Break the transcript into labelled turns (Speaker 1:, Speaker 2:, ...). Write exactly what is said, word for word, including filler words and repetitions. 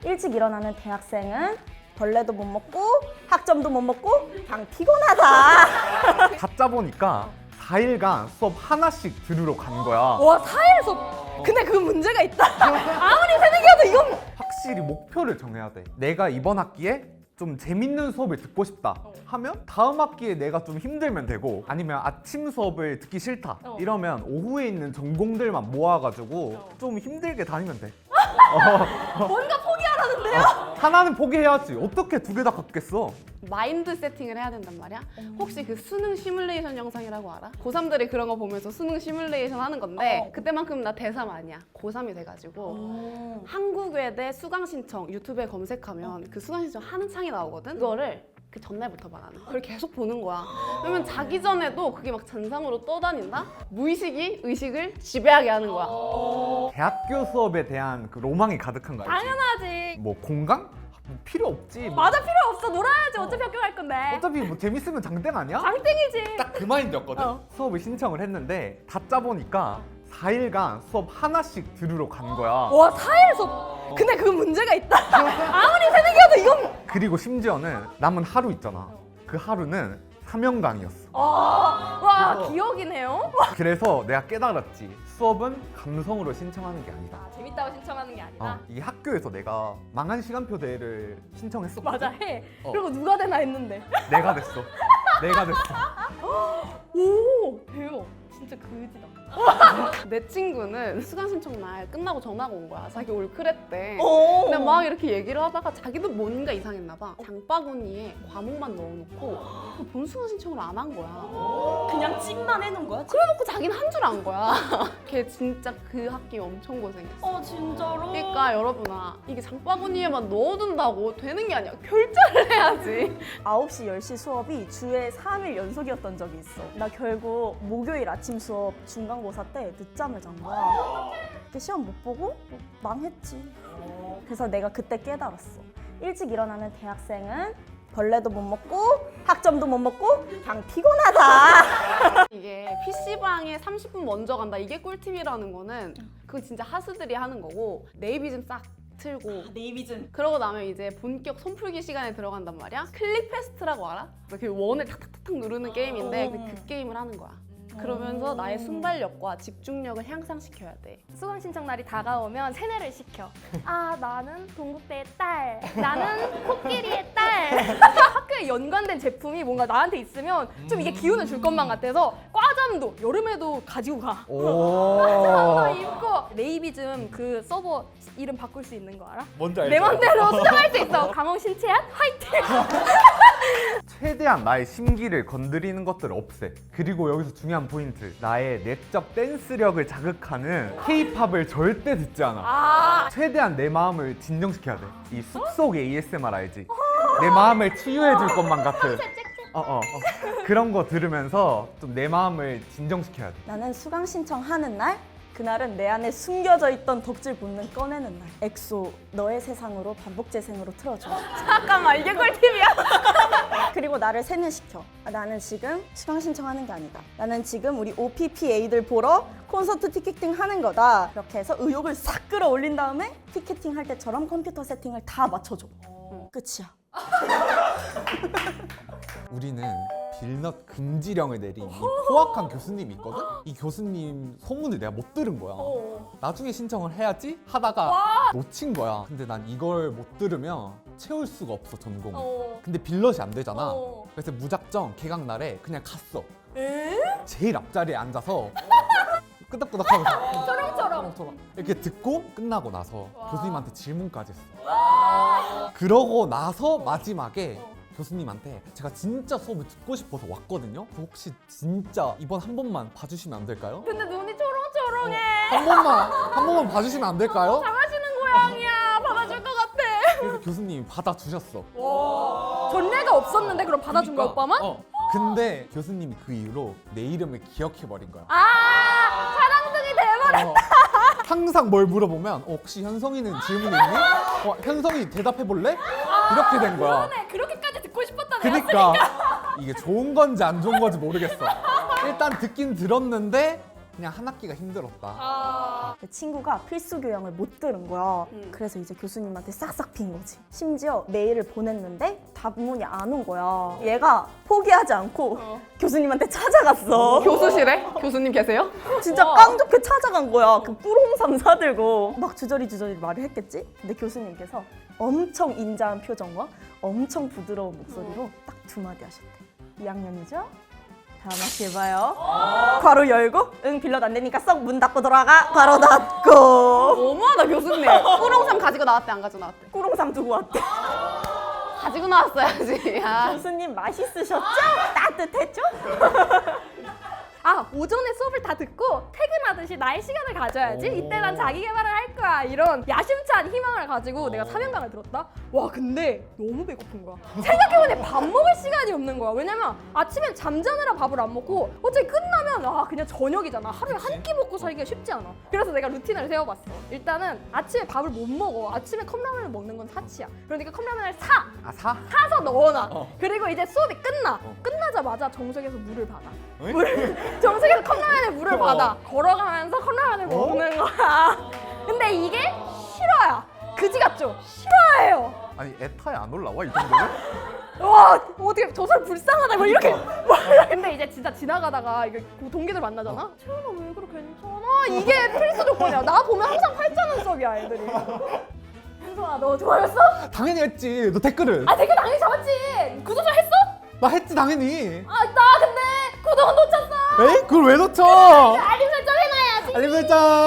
Speaker 1: 일찍 일어나는 대학생은 벌레도 못 먹고 학점도 못 먹고 그냥 피곤하다.
Speaker 2: 다 짜보니까 사 일간 수업 하나씩 들으러 간 거야.
Speaker 1: 와, 사 일 수업. 근데 그 문제가 있다. 아무리 새내기여도 이건
Speaker 2: 확실히 목표를 정해야 돼. 내가 이번 학기에 좀 재밌는 수업을 듣고 싶다 하면 다음 학기에 내가 좀 힘들면 되고, 아니면 아침 수업을 듣기 싫다
Speaker 1: 어.
Speaker 2: 이러면 오후에 있는 전공들만 모아가지고 좀 힘들게 다니면 돼.
Speaker 1: 뭔가 포기하라는데요?
Speaker 2: 하나는 포기해야지. 어떻게 두 개 다 갖겠어?
Speaker 3: 마인드 세팅을 해야 된단 말이야. 혹시 그 수능 시뮬레이션 영상이라고 알아? 고삼들이 그런 거 보면서 수능 시뮬레이션 하는 건데
Speaker 1: 어.
Speaker 3: 그때만큼 나 대삼 아니야. 고삼이 돼가지고 한국외대 수강 신청 유튜브에 검색하면 그 수강 신청 하는 창이 나오거든. 그거를 그 전날부터 말하는 거야. 그걸 계속 보는 거야. 그러면 자기 전에도 그게 막 잔상으로 떠다닌다? 무의식이 의식을 지배하게 하는 거야.
Speaker 2: 대학교 수업에 대한 그 로망이 가득한 거 알지?
Speaker 1: 당연하지.
Speaker 2: 뭐 공강? 뭐 필요 없지. 뭐
Speaker 1: 맞아, 필요 없어. 놀아야지. 어차피 학교 갈 건데.
Speaker 2: 어차피 뭐 재밌으면 장땡 아니야?
Speaker 1: 장땡이지.
Speaker 2: 딱 그 마인드였거든.
Speaker 1: 어.
Speaker 2: 수업을 신청을 했는데 다 짜보니까 사 일간 수업 하나씩 들으러 간 거야.
Speaker 1: 와, 사 일 수업. 근데 그 문제가 있다. 아무리 새내기여도 이건.
Speaker 2: 그리고 심지어는 남은 하루 있잖아. 그 하루는 사명강이었어.
Speaker 1: 아, 와, 기억이네요.
Speaker 2: 그래서 내가 깨달았지. 수업은 감성으로 신청하는 게 아니다.
Speaker 1: 재밌다고 신청하는 게 아니라.
Speaker 2: 어, 이 학교에서 내가 망한 시간표 대회를 신청했었거든.
Speaker 1: 맞아, 해.
Speaker 2: 어.
Speaker 1: 그리고 누가 되나 했는데.
Speaker 2: 내가 됐어. 내가 됐어.
Speaker 1: 오, 대박. 진짜 그지다.
Speaker 3: 내 친구는 수강 신청 날 끝나고 전화가 온 거야. 자기 올크랬대.
Speaker 1: 오.
Speaker 3: 근데 막 이렇게 얘기를 하다가 자기도 뭔가 이상했나 봐. 장바구니에 과목만 넣어놓고 그 본 수강 신청을 안 한 거야.
Speaker 1: 그냥 찜만 해놓은 거야?
Speaker 3: 그래놓고 자기는 한 줄 안 거야. 걔 진짜 그 학기 엄청 고생했어.
Speaker 1: 어, 진짜로?
Speaker 3: 그러니까 여러분아, 이게 장바구니에만 넣어둔다고 되는 게 아니야. 결제를 해야지.
Speaker 1: 아홉 시, 열 시 수업이 주에 삼 일 연속이었던 적이 있어. 나 결국 목요일 아침 수업 중간고사 때 늦잠을 잔 거야. 그 시험 못 보고 망했지. 그래서 내가 그때 깨달았어. 일찍 일어나는 대학생은 벌레도 못 먹고 학점도 못 먹고 그냥 피곤하다.
Speaker 3: 이게 피시방에 삼십 분 먼저 간다. 이게 꿀팁이라는 거는 그거 진짜 하스들이 하는 거고, 네이비즘 싹 틀고
Speaker 1: 네이비즘.
Speaker 3: 그러고 나면 이제 본격 손풀기 시간에 들어간단 말이야. 클릭 페스트라고 알아? 그 원을 탁탁탁탁 누르는 게임인데 그, 그 게임을 하는 거야. 그러면서 나의 순발력과 집중력을 향상시켜야 돼.
Speaker 4: 수강 신청 날이 다가오면 세뇌를 시켜. 아, 나는 동국대의 딸. 나는 코끼리의 딸. 학교에 연관된 제품이 뭔가 나한테 있으면 좀 이게 기운을 줄 것만 같아서 과잠도 여름에도 가지고 가.
Speaker 2: 오.
Speaker 4: 입고 네이비즘 그 서버 이름 바꿀 수 있는 거 알아?
Speaker 2: 뭔지 알죠?
Speaker 4: 내 맘대로 수정할 수 있어. 강홍 신채한 화이팅!
Speaker 2: 최대한 나의 심기를 건드리는 것들을 없애. 그리고 여기서 중요한 포인트. 나의 내적 댄스력을 자극하는 K-팝을 절대 듣지 않아.
Speaker 1: 아,
Speaker 2: 최대한 내 마음을 진정시켜야 돼. 이 숲속 에이에스엠알 알지? 내 마음을 치유해 줄 것만 같은. 어, 어, 어. 그런 거 들으면서 좀 내 마음을 진정시켜야 돼.
Speaker 1: 나는 수강 신청하는 날, 그날은 내 안에 숨겨져 있던 덕질 본능 꺼내는 날. 엑소 너의 세상으로 반복 재생으로 틀어줘.
Speaker 3: 잠깐만, 이게 꿀팁이야?
Speaker 1: 그리고 나를 세뇌시켜. 아, 나는 지금 수강 신청하는 게 아니다. 나는 지금 우리 오피피에이들 보러 콘서트 티켓팅 하는 거다. 이렇게 해서 의욕을 싹 끌어올린 다음에 티켓팅 할 때처럼 컴퓨터 세팅을 다 맞춰줘. 끝이야.
Speaker 5: 우리는 빌넛 금지령을 내린 이 포악한 교수님이 있거든? 이 교수님 소문을 내가 못 들은 거야. 나중에 신청을 해야지 하다가 놓친 거야. 근데 난 이걸 못 들으면 채울 수가 없어, 전공을. 근데 빌넛이 안 되잖아. 그래서 무작정 개강 날에 그냥 갔어. 제일 앞자리에 앉아서 끄덕끄덕하면서 초롱초롱 이렇게 듣고 끝나고 나서 교수님한테 질문까지 했어. 그러고 나서 마지막에 교수님한테 제가 진짜 수업을 듣고 싶어서 왔거든요. 혹시 진짜 이번 한 번만 봐주시면 안 될까요?
Speaker 4: 근데 눈이 초롱초롱해.
Speaker 5: 한 번만 한 번만 봐주시면 안 될까요?
Speaker 4: 잘하시는 고양이야. 받아줄 것 같아.
Speaker 5: 그래서 교수님이 받아주셨어.
Speaker 4: 전례가 없었는데 그럼 받아준 거야, 오빠만?
Speaker 5: 어. 근데 교수님이 그 이후로 내 이름을 기억해버린 거야.
Speaker 4: 아, 사랑둥이 대박.
Speaker 5: 어, 항상 뭘 물어보면 어, 혹시 현성이는 질문 있니? 어, 현성이 대답해볼래? 이렇게 된 거야.
Speaker 4: 그러네. 그렇게까지 듣고 싶었다. 내가.
Speaker 5: 그니까 이게 좋은 건지 안 좋은 건지 모르겠어. 일단 듣긴 들었는데 그냥 한 학기가 힘들었다.
Speaker 3: 아.
Speaker 1: 내 친구가 필수 교양을 못 들은 거야.
Speaker 3: 음.
Speaker 1: 그래서 이제 교수님한테 싹싹 빈 거지. 심지어 메일을 보냈는데 답문이 안 온 거야. 얘가 포기하지 않고
Speaker 3: 어.
Speaker 1: 교수님한테 찾아갔어.
Speaker 3: 교수실에 교수님 계세요?
Speaker 1: 진짜 깡좋게 찾아간 거야. 그 꿀홍삼 사들고 막 주저리 주저리 말을 했겠지? 근데 교수님께서 엄청 인자한 표정과 엄청 부드러운 목소리로 딱 두 마디 하셨대. 이 학년이죠? 다음 학기 해봐요. 괄호 열고 응 빌럿 안 되니까 썩 문 닫고 돌아가. 괄호 닫고.
Speaker 3: 너무하다 교수님. 꾸롱삼 가지고 나왔대 안 가지고 나왔대?
Speaker 1: 꿀홍삼 두고 왔대.
Speaker 3: 가지고 나왔어야지. 아.
Speaker 1: 교수님 맛있으셨죠? 따뜻했죠?
Speaker 4: 아 오전에 수업을 다 듣고 퇴근하듯이 나의 시간을 가져야지. 이때 난 자기 개발을 할 거야. 이런 야심찬 희망을 가지고 내가 사명감을 들었다. 와 근데 너무 배고픈 거야. 생각해보니 밥 먹을 시간이 없는 거야. 왜냐면 아침엔 잠자느라 밥을 안 먹고 어차피 끝나면 아 그냥 저녁이잖아. 하루에 한 끼 먹고 살기가 쉽지 않아. 그래서 내가 루틴을 세워봤어. 일단은 아침에 밥을 못 먹어. 아침에 컵라면을 먹는 건 사치야. 그러니까 컵라면을 사.
Speaker 5: 아 사?
Speaker 4: 사서 넣어놔.
Speaker 5: 어.
Speaker 4: 그리고 이제 수업이 끝나.
Speaker 5: 어.
Speaker 4: 끝나자마자 정석에서 물을 받아.
Speaker 5: 어이?
Speaker 4: 물, 정석에서 컵라면에 물을
Speaker 5: 어.
Speaker 4: 받아. 걸어가면서 컵라면을 먹는 거야. 근데 이게 싫어요. 그지 같죠? 싫어해요.
Speaker 5: 아니 에타에 안 올라와 이 정도면?
Speaker 4: 와 어떻게 저 사람 불쌍하다 뭐 이렇게. 근데 이제 진짜 지나가다가 이게 동기들 만나잖아. 채연아 왜 그래 괜찮아? 이게 필수 조건이야. 나 보면 항상 팔자 눈썹이야 애들이. 현성아 너 좋아했어?
Speaker 5: 당연히 했지. 너 댓글은?
Speaker 4: 아 댓글 당연히 잡았지. 구독자 했어?
Speaker 5: 나 했지 당연히.
Speaker 4: 아 나 근데 구독은 놓쳤어.
Speaker 5: 에이? 그걸 왜 놓쳐?
Speaker 4: 알림 설정 해놔야지.
Speaker 5: 알림 설정.